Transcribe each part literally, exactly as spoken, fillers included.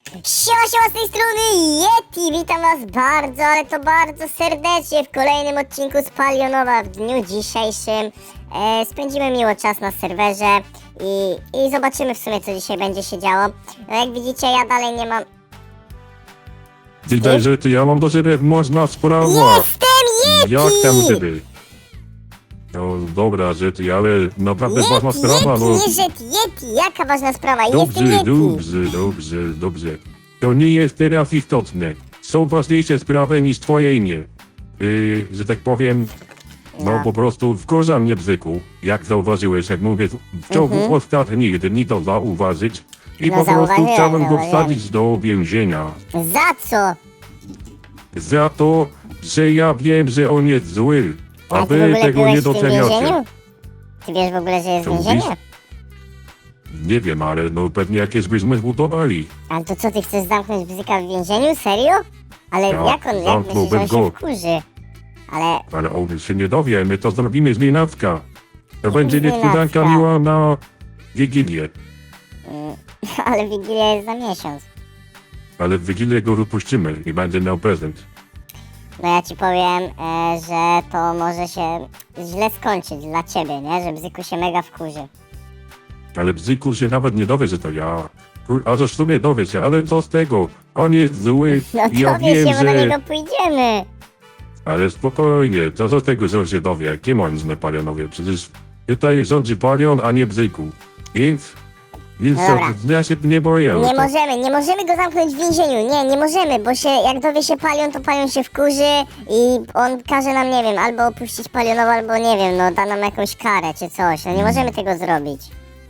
Siema, siema, z tej strony Yeti, witam was bardzo, ale to bardzo serdecznie w kolejnym odcinku z Palionowa. W dniu dzisiejszym e, spędzimy miło czas na serwerze i, i zobaczymy w sumie, co dzisiaj będzie się działo. No jak widzicie, ja dalej nie mam... Widać, że ty, ja mam do ciebie można sprawa. Jestem Yeti! Jak tam ciebie? No dobra, że ty, ale naprawdę Yeti, ważna sprawa, Yeti, no. nie Yeti, Yeti, jaka ważna sprawa? Dobrze, Jestem Yeti! dobrze, dobrze, dobrze. To nie jest teraz istotne. Są ważniejsze sprawy niż twoje imię. Yy, że tak powiem, no, No. po prostu wkurza mnie bzyku, jak zauważyłeś, jak mówię, w ciągu Mhm. ostatnich dni to zauważyć. I No, po prostu zauważyłem, chciałem go zauważyłem. wsadzić do więzienia. Za co? Za to, że ja wiem, że on jest zły. A A ty w wy ogóle tego byłeś nie w tym doceniacie. więzieniu? Ty wiesz w ogóle, że jest Co więzienie? mówisz? Nie wiem, ale no pewnie jakieś byśmy zbudowali. Ale to co, ty chcesz zamknąć bzyka w więzieniu? Serio? Ale Ja jak on, jak myślisz, że zamknąłbym on się go. wkurzy? Ale, Ale on się nie dowie, my to zrobimy z nienacka. To będzie nienacka? niespodzianka miła na Wigilię. mm, ale Wigilia jest za miesiąc. Ale w Wigilię go wypuścimy i będzie miał prezent. No ja ci powiem, e, że to może się źle skończyć dla ciebie, nie? Że bzyku się mega wkurzy. Ale Bzyku się nawet nie dowie, że to ja. Kur- A że w sumie dowie się, ale co z tego? On jest zły No i ja dowie wiem, się, bo do że... niego pójdziemy. Ale spokojnie, co z tego, że on się dowie? Kim on zna palionowie? Przecież tutaj rządzi palion, a nie Bzyku. Więc... Więc Dobra. to, ja się nie boję. Nie to- możemy, nie możemy go zamknąć w więzieniu, nie, nie możemy, bo się, jak dowie się Palion, to Palion się wkurzy i on każe nam, nie wiem, albo opuścić Palionowo, albo nie wiem, no da nam jakąś karę czy coś, no nie możemy tego zrobić.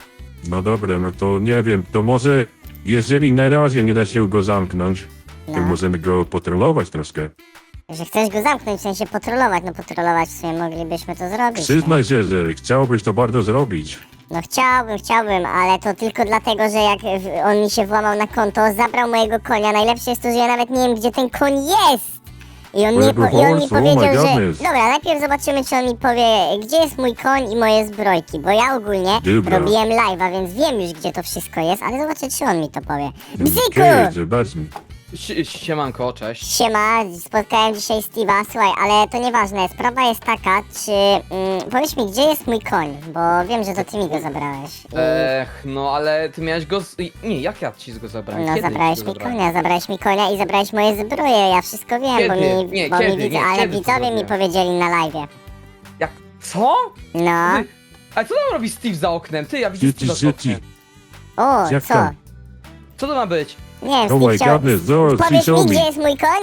No dobra, no to nie wiem, to może jeżeli na razie nie da się go zamknąć, to No. możemy go potrolować troszkę. Że chcesz go zamknąć, w sensie patrolować, no patrolować w sumie moglibyśmy to zrobić. Przyznaj się, że chciałbyś to bardzo zrobić. No chciałbym, chciałbym, ale to tylko dlatego, że jak w- on mi się włamał na konto, zabrał mojego konia. Najlepsze jest to, że ja nawet nie wiem, gdzie ten koń jest. I on, nie po, i on mi Horse, oh my powiedział, że... goodness. Dobra, najpierw zobaczymy, czy on mi powie, gdzie jest mój koń i moje zbrojki, bo ja ogólnie Dobra. robiłem live'a, więc wiem już, gdzie to wszystko jest, ale zobaczę, czy on mi to powie. Bzyku! Okej, zobaczmy. Sie- Siemanko, cześć. Siema, spotkałem dzisiaj Steve'a, słuchaj, ale to nieważne, sprawa jest taka, czy... Mm, powiedz mi, gdzie jest mój koń, bo wiem, że to ty mi go zabrałeś. I... Ech, no ale ty miałeś go z... Nie, jak ja ci go zabrałem? No Kiedy zabrałeś ci go mi zabrałem? konia, zabrałeś mi konia i zabrałeś moje zbroje, ja wszystko wiem, bo Kiedy? mi, Nie, bo kiedy? mi widz, Nie, ale kiedy to widzowie mi zrobiłem? powiedzieli na live. Jak? Co? No, Ty, ale co tam robi Steve za oknem? Ty, ja widzę Dzieci, Steve'a za dzieci. oknem. o, Jak co? tam? Co to ma być? Nie wiem, Oh Steve my chciał... goodness, zaraz Powiedz show mi, me. gdzie jest mój koń?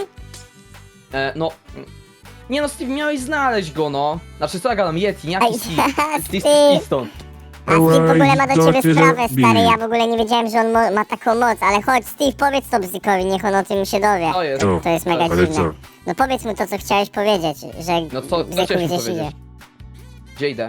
E, no... Nie no, Steve, miałeś znaleźć go, no. Znaczy, co ja gadam? Yeti, nie Ej, jaki Steve? Steve, Steve. idź stąd. A Steve w ogóle ma do Co ciebie ty sprawę, robisz? stary, ja w ogóle nie wiedziałem, że on mo- ma taką moc, ale chodź, Steve, powiedz to Bzykowi, niech on o tym się dowie. To jest. Co? To jest mega Ale dziwne. co? No powiedz mu to, co chciałeś powiedzieć, że No co- co Bzyku chciałeś mi gdzieś powiedzieć? idzie. Gdzie idę?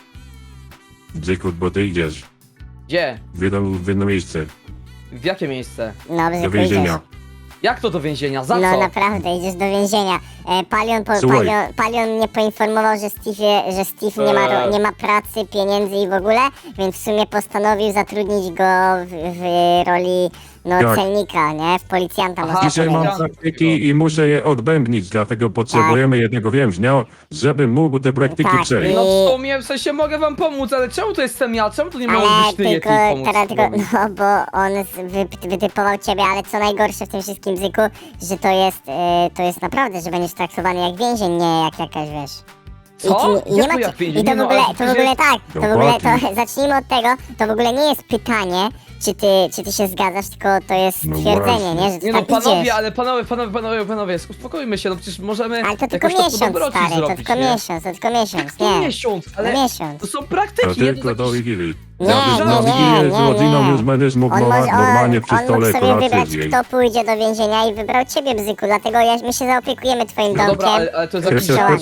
Bzyku, bo ty idziesz Gdzie? w jedno, w jedno miejsce, W jakie miejsce? No, do Bzyku, więzienia. idziesz. Jak to do więzienia? Za No co? naprawdę, idziesz do więzienia. E, Palion, po, Słuchaj. Palion, Palion mnie poinformował, że Steve, że Steve nie, ma, ro- Eee. nie ma pracy, pieniędzy i w ogóle, więc w sumie postanowił zatrudnić go w, w roli no, Tak. celnika, nie? W policjanta Aha, można Dzisiaj powiedzieć. mam praktyki i muszę je odbębnić, dlatego potrzebujemy jednego więźnia, żeby mógł te praktyki Tak, przejść. No I- w sumie, w sensie mogę wam pomóc, ale czemu to jestem ja? Czemu to nie miało Ale być ty, tylko, Yeti, pomóc teraz tylko, spróbować? no bo on z- wy, wytypował ciebie, ale co najgorsze w tym wszystkim Bzyku, że to jest, e, to jest naprawdę, że będziesz traktowany jak więzień, nie jak jakaś, wiesz. Co? I, ty, i, nie Jak ma, to jak ci- więzień? I to Nie w no, ogóle, ale to w ogóle tak, to w ogóle, to Dokładnie. zacznijmy od tego, to w ogóle nie jest pytanie, czy ty, czy ty się zgadzasz, tylko to jest No stwierdzenie, właśnie. nie, że ty Nie no, tam panowie, idziesz. ale panowie, panowie, panowie, panowie, uspokójmy się, no przecież możemy Ale to tylko jakoś to po miesiąc, dobroci stary, to zrobić, tylko nie? miesiąc, to tylko miesiąc, To nie, miesiąc, ale no miesiąc. to są To praktyki, nie? tylko To do jakiś... Wigilii. Nie, Na, nie, na nie, Wigilię z nie, rodziną nie. już będziesz mógł On norma- może, normalnie on, przy on mógł stole sobie kolację wybrać, zjeść. kto pójdzie do więzienia i wybrał ciebie, Bzyku, dlatego ja, my się zaopiekujemy twoim No dobra, domkiem. ale, ale to jest jakiś... Działanie.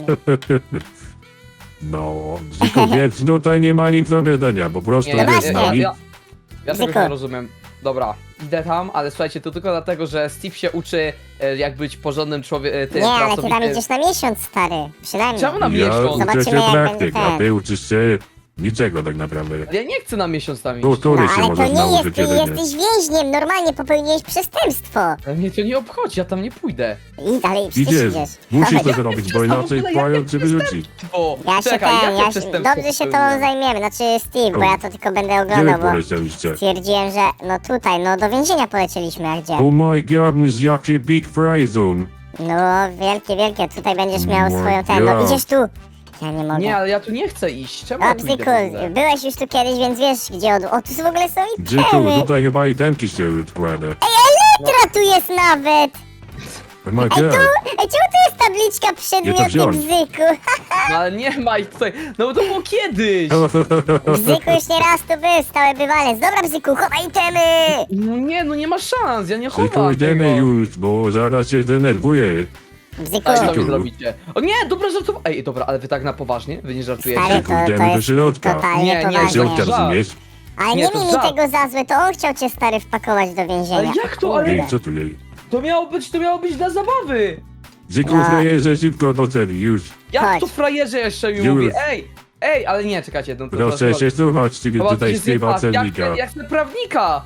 No, Bzyku, więc tutaj nie ma nic do wiedzenia, po prostu Nie, No jest ja, właśnie. ja, nami. ja, ja tego Bzyku. nie rozumiem. Dobra, idę tam, ale słuchajcie, to tylko dlatego, że Steve się uczy e, jak być porządnym człowiekiem, Nie, ale ty tam idziesz na miesiąc, stary, przynajmniej. Czemu na Ja miesiąc? uczę Zobaczymy, się jak praktyk, będzie a ten. ty uczysz się Niczego tak naprawdę. Ale ja nie chcę na miesiąc tam To iść. który No się ale to możesz nie nauczyć jest, ty jedynie. jesteś więźniem, normalnie popełniłeś przestępstwo. Ale mnie to nie obchodzi, ja tam nie pójdę. I dalej przecież Idziesz, idziesz. musisz Dawaj. to Jakie zrobić, bo przestępstwo? inaczej W ogóle twoją jakie cię wyrzuci. O, Ja się czekaj, ten, jakie ja się, przestępstwo dobrze się tobą popełniłem? zajmiemy, znaczy Steve, bo O. ja to tylko będę Gdzie wy oglądał, bo polecieliście? stwierdziłem, że no tutaj, no do więzienia polecieliśmy, a gdzie? Oh my god, jakie big fry zone. No wielkie, wielkie, tutaj będziesz miał Oh my swoją ten, no God. idziesz tu. Ja nie mogę. Nie, ale ja tu nie chcę iść. Czemu ja O, tu idę w Bzyku, ogóle? byłeś już tu kiedyś, więc wiesz gdzie od... O, tu w ogóle są Bzyku, itemy. tutaj chyba i tenki się odkłada. Która tu jest nawet? Oh my Ej, god. tu, ej, czemu tu jest tabliczka przedmioty wziąć. Bzyku? No ale nie ma ich tutaj. No bo to było kiedyś. Bzyku już nie raz tu był, stały bywalec. Dobra, Bzyku, chowaj itemy! No nie, no nie ma szans, ja nie Bzyku, chowam idziemy tego. już, bo zaraz się denerwuję. Bzyku, Ale co Bzyku. mi zrobicie? O nie, dobra, żartowałem. Ej, dobra, ale wy tak na poważnie? Wy nie żartujecie? stary, to, Idziemy to do jest środka. totalnie Nie, nie, poważnie. Środka, żart. rozumiesz? Ale Nie, nie to miej mi żart. tego za złe, to on chciał cię stary wpakować do Ale więzienia. jak to, ale Ej, co tu jej? to miało być, to miało być dla zabawy. Bzyku, No. frajerze, szybko do celi, już. Jak Chodź. to frajerze jeszcze mi Już. mówi? Ej, ej, ale nie, czekajcie, no to Proszę się słuchać, ty Chyba tutaj coś śpiewa jest- jak, celnika. jak chcę prawnika.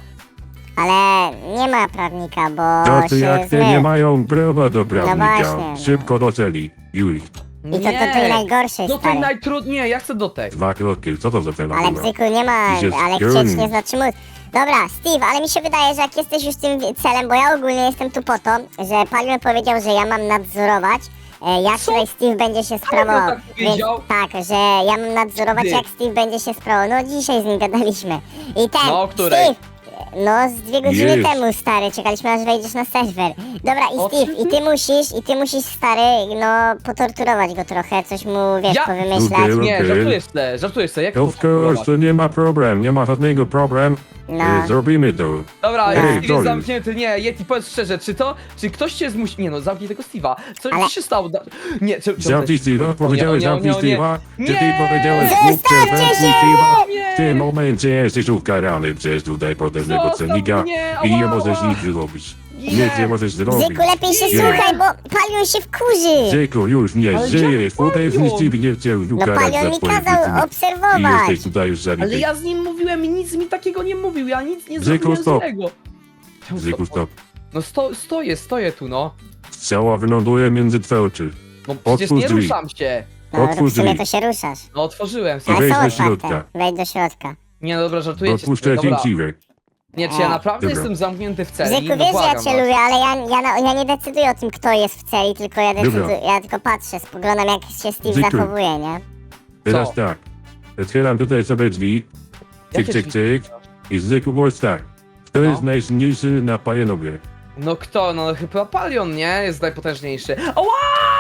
Ale nie ma prawnika, bo To ty się jak ty zmył. nie mają prawa do prawnika. właśnie. Szybko do celi, już. I to do tej najgorszej, Do tej stary. najtrudniej, ja chcę do tej. Dwa kroki, co to za cela Ale była? Bzyku nie ma, Jest ale piorun. chcieć nie znaczy móc. Dobra, Steve, ale mi się wydaje, że jak jesteś już tym celem, bo ja ogólnie jestem tu po to, że Palion powiedział, że ja mam nadzorować, e, jak Co? tutaj Steve będzie się sprawował. tak Więc powiedział? tak, że ja mam nadzorować, Kiedy? jak Steve będzie się sprawował. No dzisiaj z nim gadaliśmy. I ten, No, o której? Steve, no z dwie godziny Jest. temu, stary, czekaliśmy aż wejdziesz na serwer. Dobra, i O Steve, czym i ty musisz, i ty musisz, stary, no potorturować go trochę, coś mu, wiesz, Ja- powymyślać. Okej. Nie, żartujesz sobie, żartujesz sobie, jak to Of course, to nie ma problem, nie ma żadnego problem. No. E, Zrobimy to. Dobra, Ej, Steve jest Johnny. zamknięty, nie, Yeti, powiedz szczerze, czy to, czy ktoś cię zmusi... Nie no, zamknij tego Steve'a. Co Ale- ci się stało? Da- Nie, czy... czy- Zamknij Steve'a, powiedziałeś nie, nie, zamknij nie, nie. Steve'a, czy ty Nie! powiedziałeś Zostawcie głupcze, zamknij się! Steve'a. Nie! W tym momencie jesteś ukarany przez tutaj potężnego Zostaw celnika mnie, i nie ała, możesz ała. nic zrobić. Nie. Nic nie możesz zrobić. Bzyku, lepiej się Nie. słuchaj, bo Palion się wkurzy. Bzyku, już nie Ale żyjesz, jak potężny Palion? Steve nie chciał No ukarać Palion za mi twoje kazał czyny. I obserwować. jesteś tutaj już Ale zabity. ja z nim mówiłem i nic mi takiego nie mówił, ja nic nie Bzyku, zrobiłem stop. złego. Czemu Bzyku, stop. No sto, stoję, stoję tu, no. Strzała wyląduje między twe oczy. No przecież Otwórz nie drzwi. ruszam się. No, Otwórz w sumie drzwi. to się ruszasz. No otworzyłem I sobie. Ale wejdź są do otwarte. środka. Wejdź do środka. Nie no dobra, żartujecie Odpuszczę sobie, dobra. cięciwek. Nie, czy ja naprawdę Dobra. jestem zamknięty w celi? Bzyku, No wiesz, że ja błagam cię was. lubię, ale ja, ja, na- ja nie decyduję o tym, kto jest w celi, tylko ja decyduję, ja tylko patrzę, spoglądam jak się Steve Bzyku. zachowuje, nie? Teraz Co? tak. Otwieram tutaj sobie drzwi. Cyk, Jakie cyk, drzwi? cyk. I zwykły głos tak. Kto No. jest najsilniejszy na pajenowie? No kto? No chyba Palion, nie? Jest najpotężniejszy. Ała!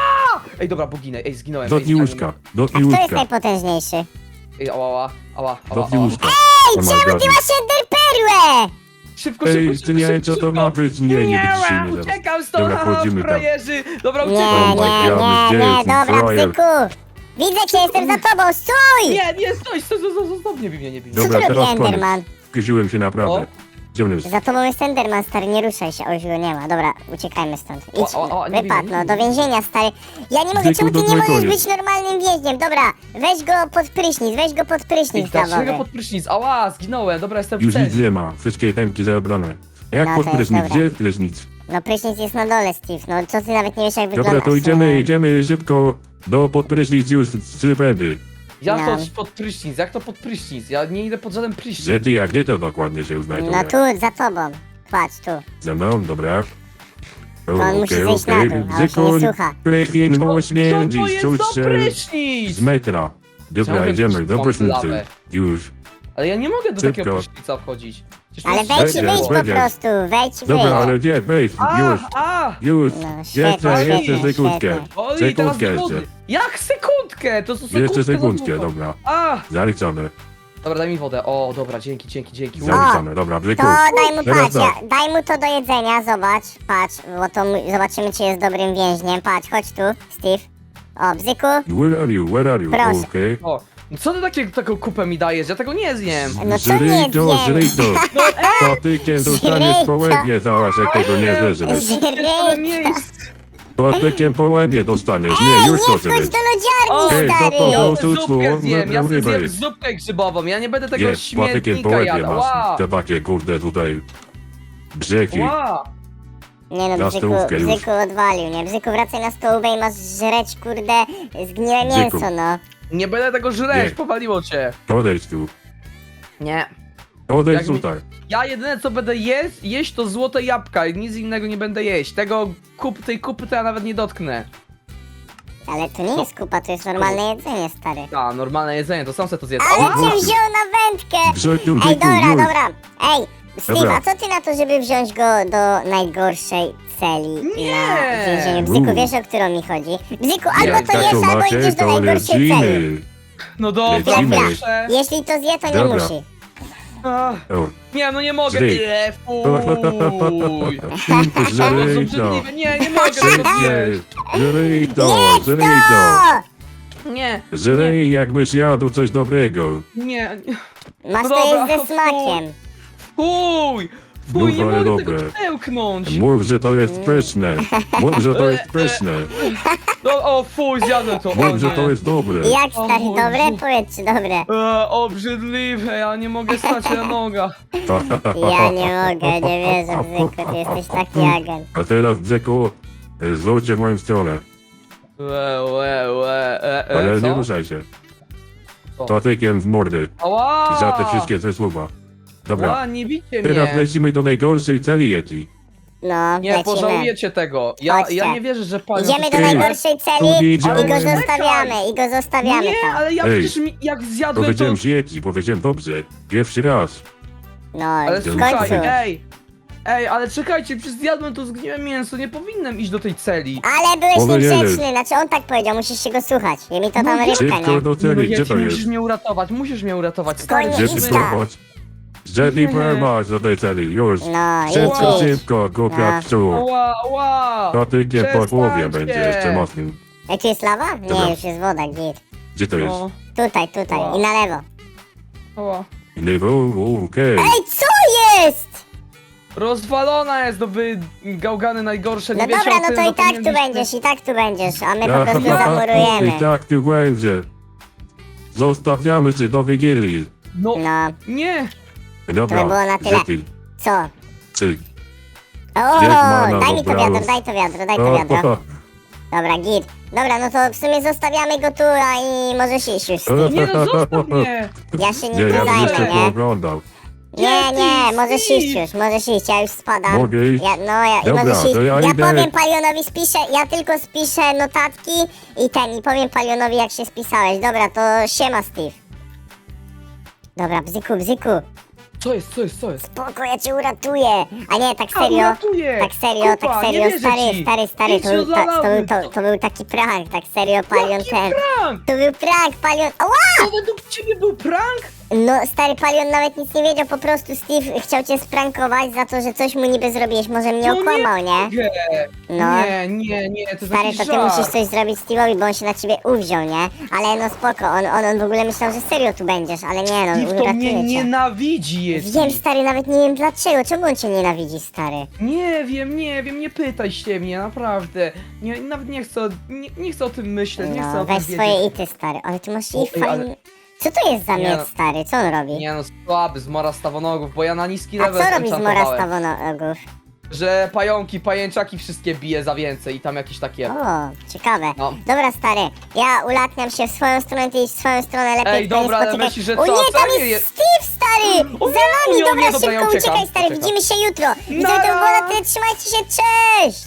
Ej, dobra, boginę, ej, zginąłem. Dotknij ej, łóżka. A Dotknij kto jest łóżka. najpotężniejszy? Ej, ała, ała, ała, ała, Dotknij ała. łóżka. Ej, Oh my czemu God. ty masz enderperłę? Szybko, Ej, szybko, ty szybko, nie wiem szybko, co to szybko. ma być. Nie, nie Nie, będziesz się nie zaraz. uciekam stąd, Dobra, haha, wchodzimy tam. frajerzy. Dobra, Nie, uciekam. my nie, God, nie, gdzie nie, jest ten dobra, frajer? Bzyku. Widzę cię, jestem za tobą, stój! Nie, nie, stój, stój, stój, stój, stój, nie bij mnie, nie bij mnie. Co Dobra, tu robi teraz koniec. Enderman? Wkurzyłem się naprawdę. O. Gdzie on jest? Za tobą jest Enderman, stary, nie ruszaj się, o już go nie ma. Dobra, uciekajmy stąd. Idź, O, o, o, nie wypadł, bij, no, nie do bij. więzienia, stary. Ja nie mogę, Bzyku, czemu ty to nie twój możesz koniec. być normalnym więźniem? Dobra, weź go pod prysznic, weź go pod Ej, prysznic dlaczego dawowy. pod prysznic? Ała, zginąłem, dobra, jestem w Już nic celi. nie ma. Wszystkie temki zabrane. Jak No, pod to jest prysznic? dobra. Gdzie jest prysznic? No prysznic jest na dole, Steve, no co ty nawet nie wiesz jak wygląda. Dobra, to idziemy, idziemy szybko do pod prysznic już z Rybedy. Jak No. to pod prysznic? Jak to pod prysznic? Ja nie idę pod żaden prysznic. Gdzie ty, jak gdzie to dokładnie się znajduje? No tu, za tobą. Patrz, tu. Ze mną, dobra. O, on musi okej, zejść na okej. dół, a on się nie Bzyku, słucha. Prychin, Co śmierdzi, to jest czuć za się prysznic? z metra. Dobra, Chciałbym idziemy do tą prysznicy. lawę. Już. Ale ja nie mogę do Szybko. takiego prysznica wchodzić. Przecież to Ale jest wejdź i średnio. wyjdź po Wejdziesz. prostu, wejdź i Dobra, wyjdź. ale gdzie? Wejdź, A, już. a! Już. No, świetnie, Jeszcze, jeszcze świetnie, sekundkę. świetnie. O, i teraz Sekundkę do wody. jeszcze. Jak sekundkę? To są sekundkę Jeszcze za sekundkę, długo. dobra. A! Zaliczone. Dobra, daj mi wodę. O, dobra, dzięki, dzięki, dzięki. Zaliczone, dobra, Bzyku. To daj mu, Teraz patrz, ja, tak. daj mu to do jedzenia, zobacz, patrz, bo to mu- zobaczymy, czy jest dobrym więźniem. Patrz, chodź tu, Steve. O, Bzyku, Where are you, where are you? Proszę. Okej. O, no co ty takie, taką kupę mi dajesz? Ja tego nie zjem. no co nie Żryj to, żryj zjem? to. To ty cię dostaniesz po łebie, zaraz jak tego nie zeżresz. Ale Żryj, nie jest. Patykiem po łebie dostaniesz. Ej, Nie, nie już to wchodź zrobić. do lodziarni, Ej, stary! to- to- Ja tu, tu, zupkę zjem, ja no, sobie rybę. zjem zupkę grzybową, ja nie będę tego Jest, patykiem po śmietnika łebie jadł. Wow. masz. Te takie, kurde, tutaj. Brzegi. Wow. Nie no, Na Bzyku, stołówkę już. Bzyku odwalił, nie? Bzyku, wracaj na stołówkę i masz żreć, kurde, zgniłe Bzyku. mięso, no. Nie będę tego żreć, Nie. powaliło cię. Odejdź tu. Nie. Odejdź Jak mi- tutaj. Ja jedyne co będę jeść, jeść to złote jabłka i nic innego nie będę jeść. Tego kup, tej kupy to ja nawet nie dotknę. Ale to nie jest kupa, to jest normalne jedzenie, stary. A, normalne jedzenie, to sam se to zjedz. Ale Ała! cię wziął na wędkę! Brzegu, Ej, Bzyku, dobra, już. dobra. Ej, Steve, Dobra. a co ty na to, żeby wziąć go do najgorszej celi Nie. na więzieniu? Bzyku, Uuu. wiesz, o którą mi chodzi? Bzyku, Nie, albo to tak jesz, to albo macie, idziesz do to najgorszej celi. lecimy. No dobra. Lecimy. Dobra, jeśli to zje, to nie Dobra. musi. Ach, O, nie, no nie mogę. Zryj. Nie, fuj. Żryj To jest to. obrzydliwe. Nie, nie mogę tego zjeść. Żryj to, żryj to. O! Nie, Żryj jakbyś jadł coś dobrego. nie, nie. Masz No to dobra, jeść ze smakiem. Fuj! Fuj, nie Dobre, mogę dobre. tego przełknąć. Mów, że to jest pyszne. Mów, że to jest pyszne. No, o, fuj, zjadłem to. O, Mów, że nie. to jest dobre. Jak, stary, O, dobre? Jezu. Powiedz, czy dobre? E, obrzydliwe, ja nie mogę stać na nogach. Ja nie mogę, nie wierzę, Bzyku, ty jesteś taki agent. A teraz, Bzyku, zwróćcie w moją stronę. Łe, łe, łe, e, e, Ale nie co? ruszaj się. Co? Patykiem w mordy. Ała! Za te wszystkie te słowa. Dobra. Ła, nie bicie Teraz mnie. lecimy do najgorszej celi Yeti. No, Nie, lecimy. pożałujecie tego. Ja, Chodźcie. ja nie wierzę, że pan... Idziemy do Ty. najgorszej celi Tu i idziemy. go zostawiamy, i go zostawiamy Nie, tam. ale ja Ej. przecież mi, jak zjadłem to... Powiedziałem z Yeti, powiedziałem dobrze. Pierwszy raz. No, Ale w słuchaj, końcu. ej! Ej, ale czekajcie, przecież zjadłem to zgniłe mięso, nie powinienem iść do tej celi. Ale byłeś Powinieneś. niegrzeczny, znaczy on tak powiedział, musisz się go słuchać. I mi to tam No, rybka, Szybko nie? do No, celi, gdzie Yeti, to musisz jest? mnie uratować, musisz mnie uratować, stary. Spokojnie, Gdzie ty idź tam. prowadź? Jetty prowadź do tej celi, już. No, idź, Szybko, idź. szybko, głupia No. psu. Ła, ła! Patykiem po głowie Przestańcie. będzie jeszcze mocnym. Ej, tu jest lawa? Dobra. Nie, już jest woda, git. Gdzie to jest? O, Tutaj, tutaj Wow. i na lewo. ła. Lewo, okej. Ej, co jest? Rozwalona jest do wy gałgany najgorsze, nie No wiecie dobra, o no tym, to no i tak tu powinien być- będziesz, i tak tu będziesz, a my po prostu zamurujemy. I tak tu będzie. Zostawiamy cię do Wigilii. No, No, nie! To by było Dobra, na tyle. Jetty, co? cyk. O, Jest mana, daj mi to dobra, wiadro, już. daj to wiadro, daj to wiadro. Dobra, git. Dobra, no to w sumie zostawiamy go tu, a i możesz iść już, Steve. Nie no, zostaw mnie! Ja się Nie, nim ja bym zajmę, jeszcze nie? pooglądał. Nie, nie, Steve, możesz Steve. iść już, możesz iść, ja już spadam. Mogę iść? Ja, no, ja, Dobra, możesz iść. to ja Ja idę. powiem Palionowi, spiszę, ja tylko spiszę notatki i ten, i powiem Palionowi, jak się spisałeś. Dobra, to siema, Steve. Dobra, bzyku, bzyku, Co jest, co jest, co jest? spoko, ja cię uratuję. A nie, tak A, serio, uratuję! tak serio, Kupa, tak nie serio, wierzę stary, ci. stary, stary, Idź to był, do ta, to, był, lawy. to, to był taki prank, tak serio, Palion Jaki ten. prank? To był prank, Palion, ała! To według ciebie był prank? No, stary Palion nawet nic nie wiedział, po prostu Steve chciał cię sprankować za to, że coś mu niby zrobiłeś, może mnie No nie okłamał, nie? mogę. No. Nie, nie, nie, to jest Stary, jakiś to ty żart. musisz coś zrobić Steve'owi, bo on się na ciebie uwziął, nie? Ale no spoko, on, on, on w ogóle myślał, że serio tu będziesz, ale nie no, Steve to mnie uratuje cię. nienawidzi jest. Wiem, stary, nawet nie wiem dlaczego, czemu on cię nienawidzi, stary? Nie wiem, nie wiem, nie pytaj się mnie, naprawdę. Nie, nawet nie chcę, nie, nie chcę o tym myśleć, nie chcę No, o tym weź wiedzieć. swoje ity, stary, ale ty masz O, i ej, ale- fajny... Co to jest za Nie miecz, no. stary, co on robi? Nie no, słaby, zmora stawonogów, bo ja na niski A level co robi z mora enchantowałem. stawonogów? Że pająki, pajęczaki wszystkie bije za więcej i tam jakieś takie. O, ciekawe. No. Dobra, stary, ja ulatniam się w swoją stronę, ty idź w swoją stronę, lepiej Ej, tutaj dobra, nie ale spotykaj. myślisz, że O co? nie, tam Serio jest jest? Steve, stary! O Za nie, nami, o nie, dobra, dobra, ja szybko uciekam, uciekaj, stary, uciekam. widzimy się jutro. Widzimy, to Nara! było na tyle, trzymajcie się, cześć!